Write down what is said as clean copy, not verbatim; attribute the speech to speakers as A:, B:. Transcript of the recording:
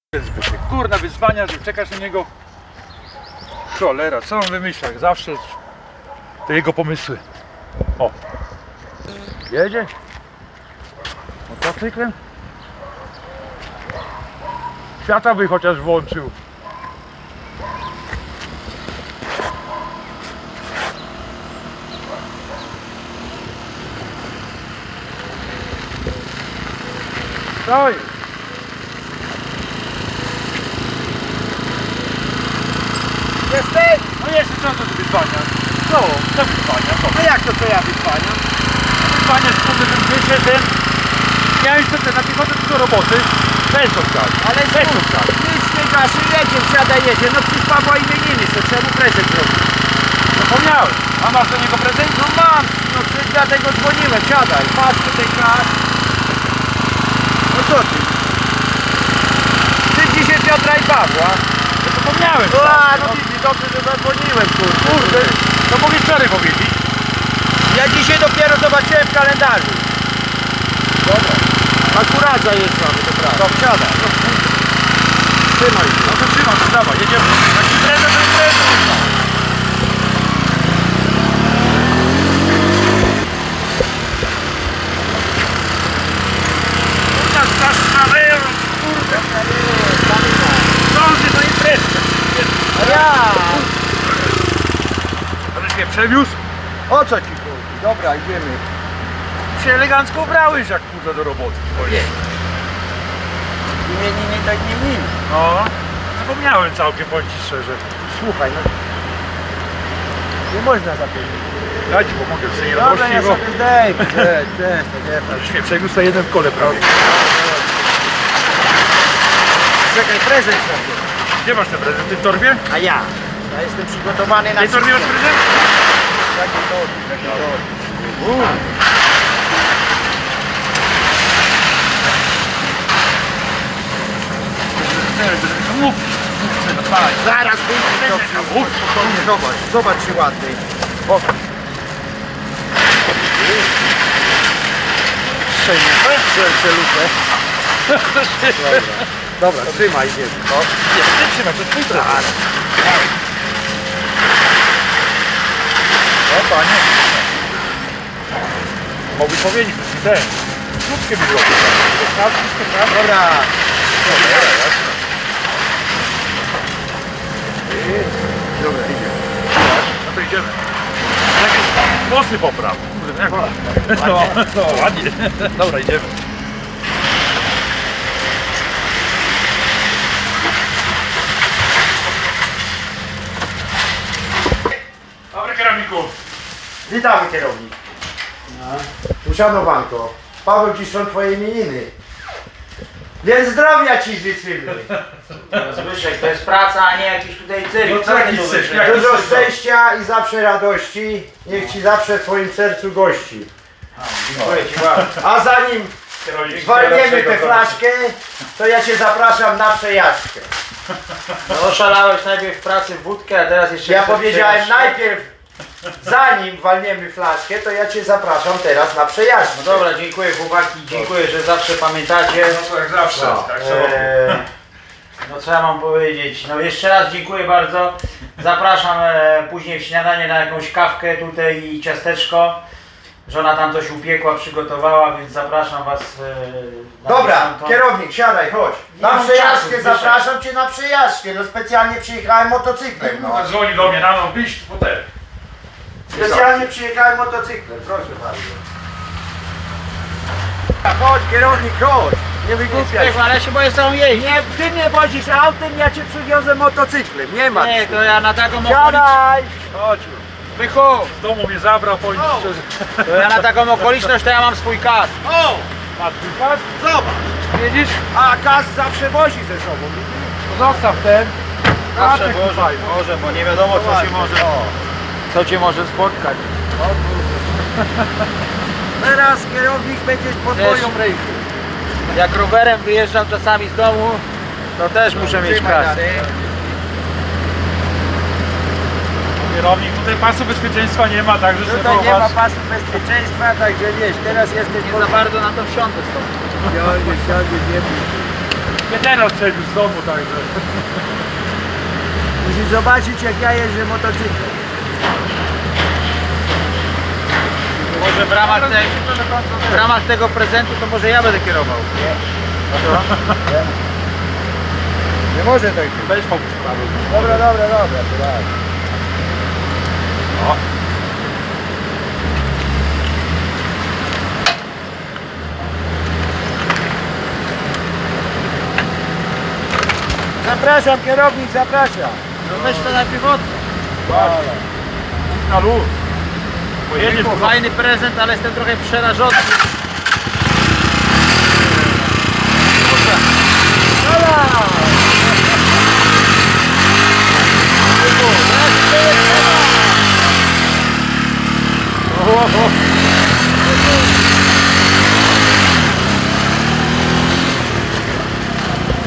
A: Zbyszek, kurna wyzwania, że czekasz na niego. Cholera, co on wymyśla? Jak zawsze to jego pomysły. O! Jedzie? Motocyklem? Świata by chociaż włączył. Co jest?
B: Jesteś?
A: No jeszcze co to wyzwania? Co? Co wyzwania? Co?
B: No jak to co ja wyzwaniam?
A: Wyzwania z tym wyszedłem. Miałem sobie na piechotę do roboty. Weź to wstać.
B: Ale
A: Weź to wstać.
B: nic nie gaszy, jedzie, wsiada, jedzie. No przecież Pawła imieniny, co trzeba mu prezent zrobić.
A: Zapomniałem. A masz do niego prezent?
B: No mam, no przecież dlatego dzwoniłem, siadaj. Masz tutaj kas. No co ty? Ty dzisiaj Piotra i Pawła.
A: Zapomniałem.
B: A, no widzisz, dobrze, że zadzwoniłem,
A: Kurde, to mogę wczoraj powiedzieć.
B: Ja dzisiaj dopiero zobaczyłem w kalendarzu.
A: Dobra.
B: Akurat zajeżdżamy, to prawda.
A: To wsiada.
B: Trzymaj się.
A: No to trzymam, to dawaj, jedziemy. Taki prezent, to jest prezent. Kurna, straszna lewa, kurde. Zdąży do imprezy.
B: A ja!
A: Aleś mnie przewiózł?
B: O co ci chodzi? Dobra, idziemy.
A: Się elegancko ubrałeś jak kurde do roboty.
B: Nie. Imieniny tak nie miny.
A: No, zapomniałem całkiem, powiem ci szczerze.
B: Słuchaj, no. Nie można zapomnieć.
A: Ja ci pomogę w tej
B: Dobra,
A: radości,
B: ja
A: bo
B: sobie zdejmę. Nie.
A: już mnie przewiózł na jednym kole prawie.
B: Czekaj, prezent sobie.
A: Gdzie masz ten prezent? W tej torbie?
B: A ja? Ja jestem przygotowany
A: W
B: na
A: tej torbie masz
B: wszystko.
A: prezent?
B: Jaki to?
A: Mów!
B: Zaraz wyjdzie to
A: Mów!
B: Zobacz czy ładny.
A: O!
B: Strzelce lupę. Dobra, trzymaj, idziemy.
A: Nie, ty trzymaj, to twój prezent. O panie! Mogli powiedzieć, że ci ten. Krótkie mi było.
B: Dobra. Dobra, idziemy.
A: No to idziemy. Jakieś włosy popraw. Kurde, jak no, ładnie. Dobra, idziemy. Dobry kierowniku.
B: Witamy kierownik. Uszanowanko. Paweł, dziś są twoje imieniny. Więc zdrowia ci życzymy.
C: Zbyszek, to jest praca, a nie jakiś tutaj cyrk.
A: No co jakiś cyrk?
C: Zbyszek?
A: Jak-
B: Dużo szczęścia i zawsze radości. Niech ci zawsze w twoim sercu gości.
C: Dziękuję ci bardzo.
B: A zanim walniemy tę flaszkę, to ja cię zapraszam na przejażdżkę.
C: No oszalałeś najpierw w pracy w wódkę, a teraz jeszcze
B: Ja
C: chcesz
B: powiedziałem
C: przejażdżkę?
B: najpierw, zanim walniemy flaszkę, to ja cię zapraszam teraz na przejażdżkę.
C: No dobra, dziękuję chłopaki, dziękuję, że zawsze pamiętacie.
A: No to jak zawsze.
B: No,
A: Tak samo.
C: No co ja mam powiedzieć? No jeszcze raz dziękuję bardzo. Zapraszam później w śniadanie na jakąś kawkę tutaj i ciasteczko. Żona tam coś upiekła, przygotowała, więc zapraszam was na
B: Dobra,
C: tamtą.
B: kierownik, siadaj, chodź.
C: Nie
B: Na
C: mam
B: przejażdżkę
C: czasu, Zbyszek.
B: zapraszam cię na przejażdżkę. No specjalnie przyjechałem motocyklem. No.
A: No. Dzwoni do mnie rano, wyjść w hotel.
B: Specjalnie przyjechałem motocyklem, proszę bardzo. Chodź kierownik, chodź. Nie wygłupiaj się.
C: Ale ja się boję z tą jeździć.
B: Nie, ty mnie wozisz autem, ja cię przywiozę motocyklem. Nie ma.
C: Nie, to ja na taką okoliczność.
B: Siadaj.
A: Chodź.
C: Bychu,
A: Z domu mnie zabrał, powiem ci szczerze.
C: to ja na taką okoliczność to ja mam swój kask.
B: O,
A: Masz twój pas?
B: zobacz.
A: Widzisz?
B: A kas zawsze wozi ze sobą.
A: To zostaw ten.
C: Zawsze
A: Patrz,
C: Boże,
A: fajny.
C: Boże, bo nie wiadomo co cię może spotkać.
B: Teraz kierownik będziesz pod
C: Wiesz,
B: moją ręką.
C: Jak rowerem wyjeżdżam czasami z domu, to też muszę mieć
B: Trzymaj
C: kask.
B: dalej.
A: Kierownik, tutaj pasu bezpieczeństwa nie ma, także sobie
B: Tutaj nie ma
A: popatrz.
B: pasu bezpieczeństwa, także wiesz, teraz jesteś
C: Nie za bardzo na to wsiądę stąd.
B: Siądzie, nie bój.
A: Nie ten odstrzelił z domu, także.
B: Musisz zobaczyć, jak ja jeżdżę motocyklem.
C: Może w ramach tego prezentu to może ja będę kierował.
B: Nie może tak być.
A: Weź fałkę sprawy.
B: Dobra, to daj.
A: O.
B: Zapraszam, kierownik, zapraszam.
C: No weź to najpierw od.
A: Na luz. Pojedziesz
C: Fajny prezent, ale jestem trochę przerażony.